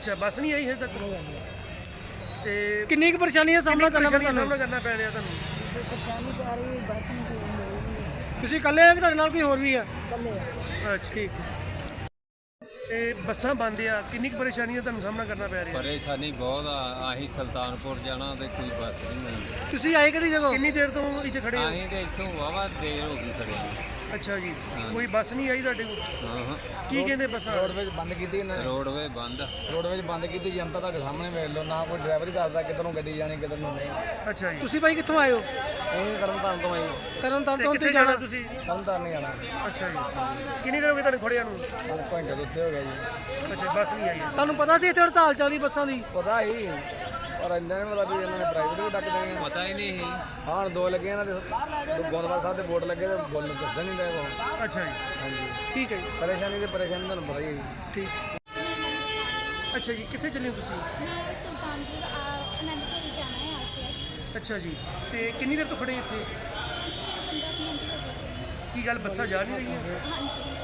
ਅੱਛਾ ਬੱਸ ਨਹੀਂ ਆਈ ਹਜੇ ਤੱਕ ਤੇ ਕਿੰਨੀ ਕੁ ਪਰੇਸ਼ਾਨੀ ਦਾ ਸਾਹਮਣਾ ਕਰਨਾ ਪਿਆ ਤੁਹਾਨੂੰ? ਸਾਹਮਣਾ ਕਰਨਾ ਪੈ ਰਿਹਾ ਤੁਹਾਨੂੰ? ਪਰੇਸ਼ਾਨੀ ਤਾਂ ਆ ਰਹੀ ਬੱਸ ਨਹੀਂ ਕੋਈ ਤੁਸੀਂ ਇਕੱਲੇ ਆ ਕਿ ਤੁਹਾਡੇ ਨਾਲ ਕੋਈ ਹੋਰ ਵੀ ਆ? ਕੱਲੇ ਅੱਛਾ ਠੀਕ ਤੇ ਬੱਸਾਂ ਬੰਦ ਆ, ਕਿੰਨੀ ਕੁ ਪਰੇਸ਼ਾਨੀ ਦਾ ਤੁਹਾਨੂੰ ਸਾਹਮਣਾ ਕਰਨਾ ਪੈ ਰਿਹਾ? ਪਰੇਸ਼ਾਨੀ ਬਹੁਤ ਆ। ਆਹੀ ਸੁਲਤਾਨਪੁਰ ਜਾਣਾ ਤੇ ਕੋਈ ਬੱਸ ਨਹੀਂ ਮਿਲਦੀ। ਤੁਸੀਂ ਆਏ ਕਿਹੜੀ ਜਗ੍ਹਾ? ਕਿੰਨੀ ਦੇਰ ਤੋਂ ਇੱਥੇ ਖੜੇ ਹੋ? ਅਸੀਂ ਤੇ ਇੱਥੋਂ ਵਾਵਾ ਦੇਰ ਹੋ ਗਈ ਖੜੇ ਨੂੰ। ਅੱਛਾ ਜੀ, ਕੋਈ ਬੱਸ ਨਹੀਂ ਆਈ ਤੁਹਾਡੇ ਕੋਲ? ਹਾਂ ਕੀ ਕਹਿੰਦੇ ਬੱਸਾਂ? ਰੋਡਵੇਜ਼ ਬੰਦ ਕੀਤੀ ਇਹਨਾਂ ਨੇ। ਰੋਡਵੇ ਬੰਦ। ਰੋਡਵੇਜ਼ ਬੰਦ ਕੀਤੀ, ਜਨਤਾ ਤੁਹਾਡੇ ਸਾਹਮਣੇ ਵੇਖ ਲਓ, ਨਾ ਕੋਈ ਡਰਾਈਵਰ ਹੀ ਦੱਸਦਾ ਕਿੱਧਰੋਂ ਗੱਡੀ ਜਾਣੀ ਕਿੱਧਰ ਨੂੰ ਨਹੀਂ। ਅੱਛਾ ਜੀ, ਤੁਸੀਂ ਭਾਈ ਕਿੱਥੋਂ ਆਏ ਹੋ? ਇਹ ਤਰਨਤਾਰਨ ਤੋਂ ਆਈ, ਤਰਨਤਾਰਨ ਤੋਂ ਕਿੱਥੇ ਤੁਸੀਂ ਜਾਣਾ ਜਾਣਾ? ਤੁਸੀਂ? ਤਰਨਤਾਰਨ ਨਹੀਂ ਜਾਣਾ। ਅੱਛਾ ਜੀ, ਕਿੰਨੀ ਦੇਰ ਹੋ ਗਈ ਤੁਹਾਨੂੰ ਖੜਿਆਂ ਨੂੰ? ਘੰਟੇ ਦੇ ਉੱਤੇ ਹੋ ਗਿਆ ਜੀ। ਅੱਛਾ ਬੱਸ ਨਹੀਂ ਆਈ ਹੈ। ਤੁਹਾਨੂੰ ਪਤਾ ਸੀ ਇੱਥੇ ਹੜਤਾਲ ਚੱਲ ਰਹੀ ਬੱਸਾਂ ਦੀ? ਪਤਾ ਹੀ, ਪਰ ਇੰਨਾ ਨਹੀਂ ਪਤਾ ਵੀ ਇਹਨਾਂ ਨੇ ਪ੍ਰਾਈਵੇਟ ਵੀ ਡੱਕ ਦੇਣੀ। ਪਤਾ ਹੀ ਨਹੀਂ ਸੀ। ਹਾਂ ਦੋ ਲੱਗੇ ਇਹਨਾਂ ਦੇ, ਗੋਂਦਵਾਲ ਸਾਹਿਬ ਦੇ ਬੋਰਡ ਲੱਗੇ ਤੇ ਬੋਲ ਦੱਸਣ ਨਹੀਂ ਦੇ ਉਹ। ਅੱਛਾ ਜੀ, ਹਾਂਜੀ ਠੀਕ ਹੈ ਜੀ, ਪਰੇਸ਼ਾਨੀ ਤੇ ਪਰੇਸ਼ਾਨੀ ਤੁਹਾਨੂੰ ਪਤਾ ਹੀ ਹੈ ਜੀ। ਠੀਕ। ਅੱਛਾ ਜੀ, ਕਿੱਥੇ ਚੱਲੇ ਹੋ ਤੁਸੀਂ? मैं सुल्तानपुर आनंदपुर जाना है यहाँ से। ਅੱਛਾ ਜੀ, ਤੇ ਕਿੰਨੀ ਦੇਰ ਤੋਂ ਖੜੇ ਇੱਥੇ? 15 मिनट हो गए। ਕੀ ਗੱਲ ਬੱਸਾਂ ਜਾ ਨਹੀਂ ਰਹੀਆਂ? हाँ जी।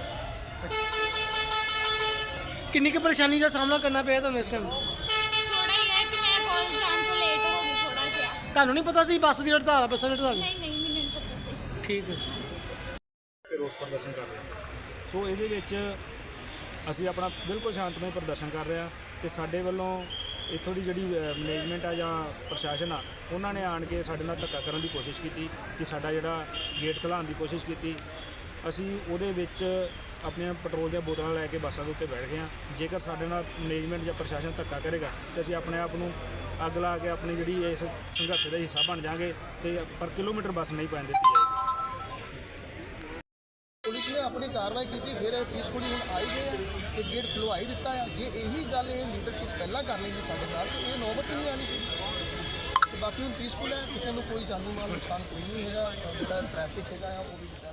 ਕਿੰਨੀ ਕੁ ਪਰੇਸ਼ਾਨੀ ਦਾ ਸਾਹਮਣਾ ਕਰਨਾ ਪਿਆ ਤੁਹਾਨੂੰ ਇਸ ਟਾਈਮ? थोड़ा ही है कि मैं कॉलेज जाने को लेट हो गई थोड़ा सा। ਤੁਹਾਨੂੰ ਨਹੀਂ ਪਤਾ ਸੀ ਬੱਸ ਦੀ ਹੜਤਾਲ ਆ, ਬੱਸਾਂ ਦੀ ਹੜਤਾਲ? नहीं नहीं मैंने नहीं पता से। ਠੀਕ ਹੈ। ਤੇ ਰੋਸ ਪ੍ਰਦਰਸ਼ਨ ਕਰ ਰਹੇ ਹਾਂ। ਸੋ ਇਹਦੇ ਵਿੱਚ ਅਸੀਂ ਆਪਣਾ ਬਿਲਕੁਲ ਸ਼ਾਂਤਮਈ ਪ੍ਰਦਰਸ਼ਨ ਕਰ ਰਹੇ ਹਾਂ ਤੇ ਸਾਡੇ ਵੱਲੋਂ ਇੱਥੋਂ ਦੀ ਜਿਹੜੀ ਮੈਨੇਜਮੈਂਟ ਆ ਜਾਂ ਪ੍ਰਸ਼ਾਸਨ ਆ, ਉਹਨਾਂ ਨੇ ਆਣ ਕੇ ਸਾਡੇ ਨਾਲ ਧੱਕਾ ਕਰਨ ਦੀ ਕੋਸ਼ਿਸ਼ ਕੀਤੀ ਕਿ ਸਾਡਾ ਜਿਹੜਾ ਗੇਟ ਖੁਲਾਉਣ ਦੀ ਕੋਸ਼ਿਸ਼ ਕੀਤੀ। ਅਸੀਂ ਉਹਦੇ ਵਿੱਚ ਆਪਣੀਆਂ ਪੈਟਰੋਲ ਦੀਆਂ ਬੋਤਲਾਂ ਲੈ ਕੇ ਬੱਸਾਂ ਦੇ ਉੱਤੇ ਬੈਠ ਗਏ ਹਾਂ। ਜੇਕਰ ਸਾਡੇ ਨਾਲ ਮੈਨੇਜਮੈਂਟ ਜਾਂ ਪ੍ਰਸ਼ਾਸਨ ਧੱਕਾ ਕਰੇਗਾ ਤਾਂ ਅਸੀਂ ਆਪਣੇ ਆਪ ਨੂੰ ਅੱਗ ਲਾ ਕੇ ਆਪਣੀ ਜਿਹੜੀ ਇਸ ਸੰਘਰਸ਼ ਦਾ ਹਿੱਸਾ ਬਣ ਜਾਵਾਂਗੇ ਤੇ ਪਰ ਕਿਲੋਮੀਟਰ ਬੱਸ ਨਹੀਂ ਪੈਣ ਦਿੱਤੀ ਜਾਏਗੀ। ਪੁਲਿਸ ਨੇ ਆਪਣੀ ਕਾਰਵਾਈ ਕੀਤੀ, ਫਿਰ ਪੀਸਫੁਲੀ ਹੁਣ ਆਈ ਗਏ ਆ ਤੇ ਗੇਟ ਖੁਲਵਾਈ ਦਿੱਤਾ ਆ। ਜੇ ਇਹੀ ਗੱਲ ਇਹ ਲੀਡਰਸ਼ਿਪ ਪਹਿਲਾਂ ਕਰ ਲੈਂਦੀ ਸਾਡੇ ਨਾਲ ਤੇ ਇਹ ਨੌਬਤ ਹੀ ਨਹੀਂ ਆਣੀ ਸੀ। ਤੇ ਬਾਕੀ ਹੁਣ ਪੀਸਫੁਲ ਹੈ, ਕਿਸੇ ਨੂੰ ਕੋਈ ਜਾਨੀ ਮਾਲ ਨੁਕਸਾਨ ਕੋਈ ਨਹੀਂ ਹੈਗਾ। ਜਿਹੜਾ ਟ੍ਰੈਫਿਕ ਹੈਗਾ ਆ ਉਹ ਵੀ